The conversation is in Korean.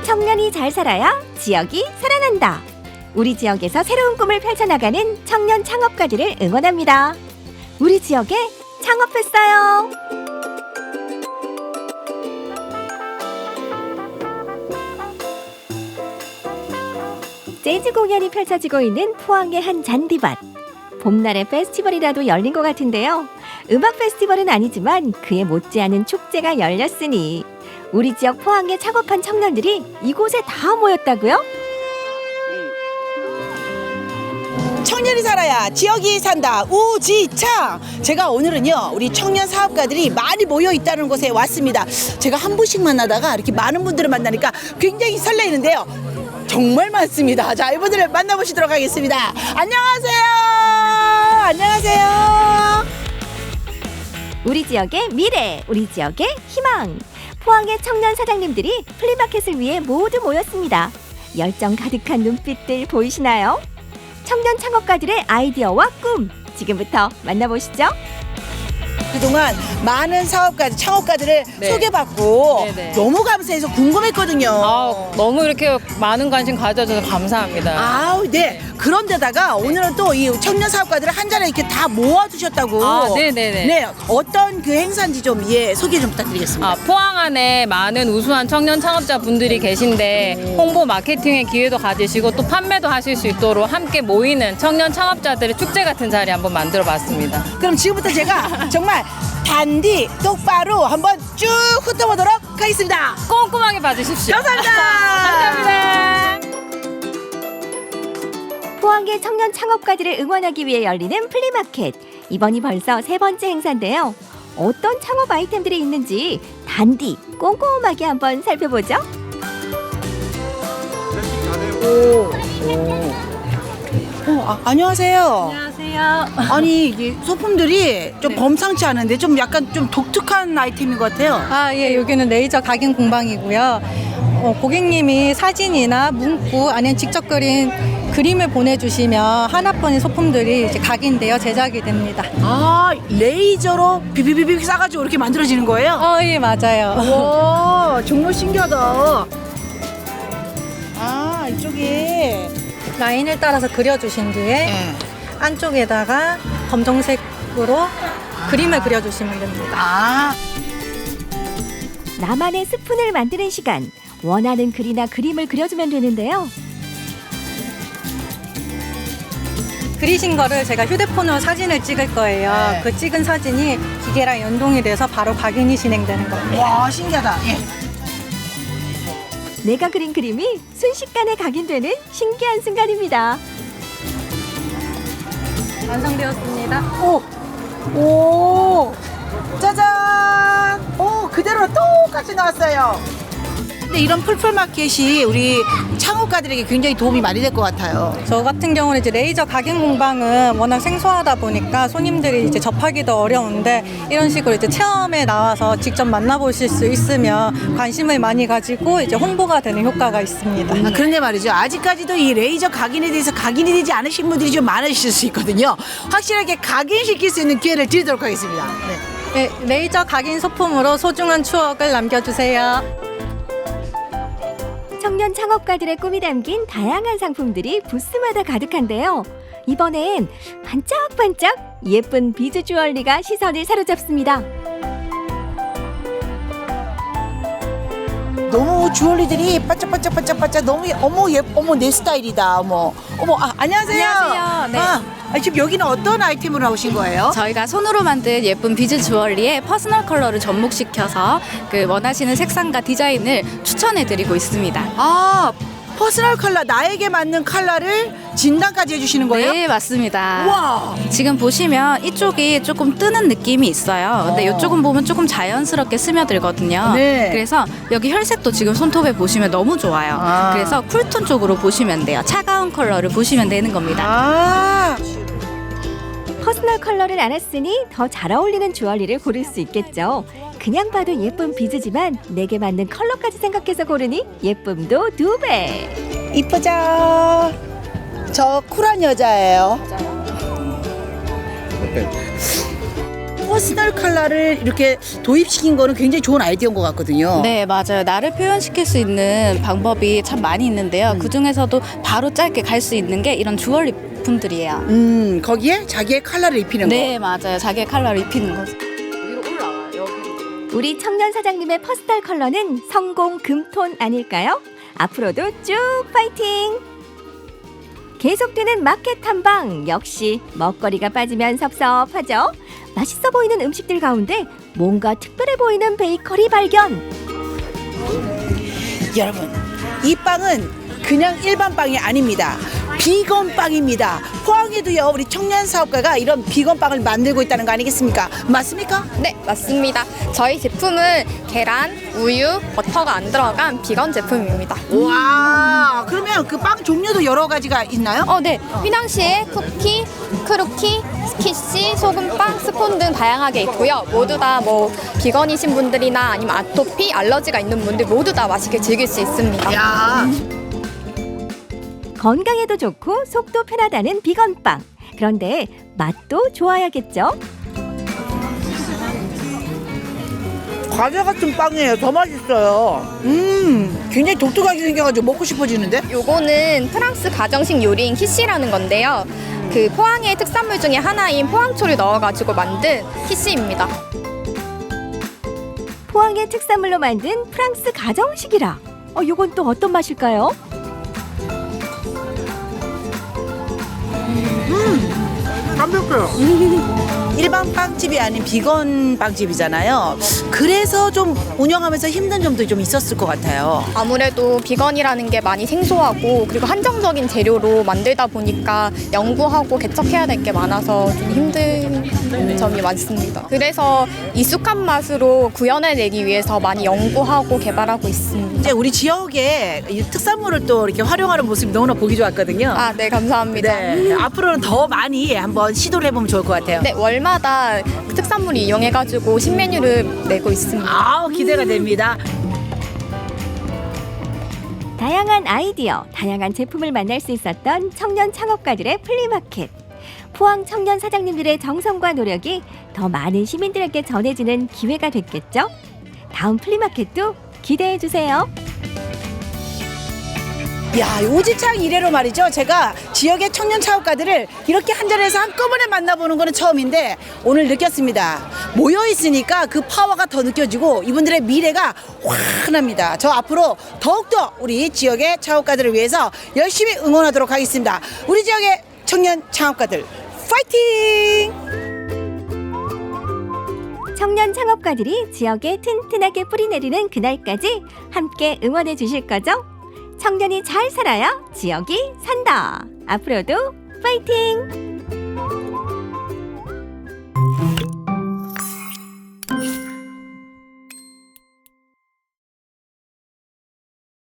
청년이 잘 살아야 지역이 살아난다. 우리 지역에서 새로운 꿈을 펼쳐나가는 청년 창업가들을 응원합니다. 우리 지역에 창업했어요. 재즈 공연이 펼쳐지고 있는 포항의 한 잔디밭. 봄날의 페스티벌이라도 열린 것 같은데요. 음악 페스티벌은 아니지만 그에 못지않은 축제가 열렸으니 우리 지역 포항에 창업한 청년들이 이곳에 다 모였다고요? 청년이 살아야 지역이 산다. 우지창. 제가 오늘은요 우리 청년 사업가들이 많이 모여 있다는 곳에 왔습니다. 제가 한 분씩 만나다가 이렇게 많은 분들을 만나니까 굉장히 설레이는데요. 정말 많습니다. 자, 이분들을 만나보시도록 하겠습니다. 안녕하세요. 안녕하세요. 우리 지역의 미래, 우리 지역의 희망. 포항의 청년 사장님들이 플리마켓을 위해 모두 모였습니다. 열정 가득한 눈빛들 보이시나요? 청년 창업가들의 아이디어와 꿈, 지금부터 만나보시죠. 그동안 많은 사업가, 창업가들을 네. 소개받고 네네. 너무 감사해서 궁금했거든요. 너무 이렇게 많은 관심 가져줘서 감사합니다. 아우, 네. 그런데다가 오늘은 또 이 청년 사업가들을 한 자리에 이렇게 다 모아두셨다고. 네네네. 네, 어떤 그 행사인지 좀 소개 좀 부탁드리겠습니다. 포항 안에 많은 우수한 청년 창업자 분들이 계신데 홍보 마케팅의 기회도 가지시고 또 판매도 하실 수 있도록 함께 모이는 청년 창업자들의 축제 같은 자리 한번 만들어 봤습니다. 그럼 지금부터 제가 정말 단디 똑바로 한번 쭉 훑어보도록 하겠습니다. 꼼꼼하게 봐주십시오. 감사합니다. 감사합니다. 포항의 청년 창업가들을 응원하기 위해 열리는 플리마켓. 이번이 벌써 세 번째 행사인데요. 어떤 창업 아이템들이 있는지 단디 꼼꼼하게 한번 살펴보죠. 안녕하세요. 안녕하세요. 아니, 이 소품들이 좀 범상치 않은데 좀 약간 좀 독특한 아이템인 것 같아요. 예, 여기는 레이저 각인 공방이고요. 고객님이 사진이나 문구 아니면 직접 그린 그림을 보내주시면 하나뿐인 소품들이 이제 각인되어 제작이 됩니다. 아, 레이저로 비비비비 싸가지고 이렇게 만들어지는 거예요? 예, 맞아요. 와, 정말 신기하다. 아, 이쪽에. 라인을 따라서 그려주신 뒤에 네. 안쪽에다가 검정색으로 그림을 그려주시면 됩니다. 아, 나만의 스푼을 만드는 시간. 원하는 글이나 그림을 그려주면 되는데요. 그리신 거를 제가 휴대폰으로 사진을 찍을 거예요. 네. 그 찍은 사진이 기계랑 연동이 돼서 바로 각인이 진행되는 겁니다. 와, 신기하다. 예. 내가 그린 그림이 순식간에 각인되는 신기한 순간입니다. 완성되었습니다. 오, 짜잔. 오, 그대로 똑같이 나왔어요. 근데 이런 풀풀마켓이 우리 창업가들에게 굉장히 도움이 많이 될 것 같아요. 저 같은 경우는 이제 레이저 각인 공방은 워낙 생소하다 보니까 손님들이 이제 접하기도 어려운데 이런 식으로 이제 체험에 나와서 직접 만나보실 수 있으면 관심을 많이 가지고 이제 홍보가 되는 효과가 있습니다. 그런데 말이죠. 아직까지도 이 레이저 각인에 대해서 각인이 되지 않으신 분들이 좀 많으실 수 있거든요. 확실하게 각인시킬 수 있는 기회를 드리도록 하겠습니다. 네. 네, 레이저 각인 소품으로 소중한 추억을 남겨주세요. 청년 창업가들의 꿈이 담긴 다양한 상품들이 부스마다 가득한데요. 이번엔 반짝반짝 예쁜 비즈 주얼리가 시선을 사로잡습니다. 너무 주얼리들이 반짝반짝반짝반짝 너무 어머 내 스타일이다. 어머 안녕하세요. 안녕하세요. 네. 지금 여기는 어떤 아이템으로 나오신 거예요? 저희가 손으로 만든 예쁜 비즈 주얼리에 퍼스널 컬러를 접목시켜서 그 원하시는 색상과 디자인을 추천해드리고 있습니다. 아, 퍼스널 컬러, 나에게 맞는 컬러를 진단까지 해주시는 거예요? 네, 맞습니다. 와, 지금 보시면 이쪽이 조금 뜨는 느낌이 있어요. 근데 이쪽은 보면 조금 자연스럽게 스며들거든요. 네. 그래서 여기 혈색도 지금 손톱에 보시면 너무 좋아요. 아. 그래서 쿨톤 쪽으로 보시면 돼요. 차가운 컬러를 보시면 되는 겁니다. 아, 퍼스널 컬러를 알았으니 더 잘 어울리는 주얼리를 고를 수 있겠죠. 그냥 봐도 예쁜 비즈지만 내게 맞는 컬러까지 생각해서 고르니 예쁨도 2배. 이쁘죠? 저 쿨한 여자예요. 퍼스널 컬러를 이렇게 도입시킨 거는 굉장히 좋은 아이디어인 것 같거든요. 네, 맞아요. 나를 표현시킬 수 있는 방법이 참 많이 있는데요. 그 중에서도 바로 짧게 갈 수 있는 게 이런 주얼리 품들이에요. 거기에 자기의 컬러를 입히는 거. 네, 맞아요. 자기의 컬러를 입히는 거죠. 위로 올라와요. 여기. 우리 청년 사장님의 퍼스널 컬러는 성공 금톤 아닐까요? 앞으로도 쭉 파이팅! 계속되는 마켓 탐방 역시 먹거리가 빠지면 섭섭하죠. 맛있어 보이는 음식들 가운데 뭔가 특별해 보이는 베이커리 발견. 여러분, 이 빵은 그냥 일반 빵이 아닙니다. 비건 빵입니다. 포항에도요, 우리 청년 사업가가 이런 비건 빵을 만들고 있다는 거 아니겠습니까? 맞습니까? 네, 맞습니다. 저희 제품은 계란, 우유, 버터가 안 들어간 비건 제품입니다. 와, 그러면 그 빵 종류도 여러 가지가 있나요? 네. 휘낭시에 쿠키, 크루키, 스키시, 소금빵, 스콘 등 다양하게 있고요. 모두 다 뭐 비건이신 분들이나 아니면 아토피, 알러지가 있는 분들 모두 다 맛있게 즐길 수 있습니다. 야, 건강에도 좋고 속도 편하다는 비건빵. 그런데 맛도 좋아야겠죠? 과자 같은 빵이에요. 더 맛있어요. 굉장히 독특하게 생겨가지고 먹고 싶어지는데? 요거는 프랑스 가정식 요리인 키시라는 건데요. 그 포항의 특산물 중에 하나인 포항초를 넣어가지고 만든 키시입니다. 포항의 특산물로 만든 프랑스 가정식이라. 요건 또 어떤 맛일까요? 담백해요. 일반 빵집이 아닌 비건 빵집이잖아요. 그래서 좀 운영하면서 힘든 점도 좀 있었을 것 같아요. 아무래도 비건이라는 게 많이 생소하고 그리고 한정적인 재료로 만들다 보니까 연구하고 개척해야 될 게 많아서 좀 힘든 점이 많습니다. 그래서 익숙한 맛으로 구현해내기 위해서 많이 연구하고 개발하고 있습니다. 이제 우리 지역에 이 특산물을 또 이렇게 활용하는 모습이 너무나 보기 좋았거든요. 네, 감사합니다. 네, 앞으로는 더 많이 한번 시도를 해보면 좋을 것 같아요. 네, 월마다 특산물을 이용해가지고 신메뉴를 내고 있습니다. 아우, 기대가 됩니다. 다양한 아이디어, 다양한 제품을 만날 수 있었던 청년 창업가들의 플리마켓. 포항 청년 사장님들의 정성과 노력이 더 많은 시민들에게 전해지는 기회가 됐겠죠? 다음 플리마켓도 기대해 주세요. 야, 오지창 이래로 말이죠. 제가 지역의 청년 창업가들을 이렇게 한 자리에서 한꺼번에 만나보는 거는 처음인데 오늘 느꼈습니다. 모여있으니까 그 파워가 더 느껴지고 이분들의 미래가 환합니다. 저 앞으로 더욱더 우리 지역의 창업가들을 위해서 열심히 응원하도록 하겠습니다. 우리 지역의 청년 창업가들 파이팅! 청년 창업가들이 지역에 튼튼하게 뿌리내리는 그날까지 함께 응원해 주실 거죠? 청년이 잘 살아야 지역이 산다. 앞으로도 파이팅!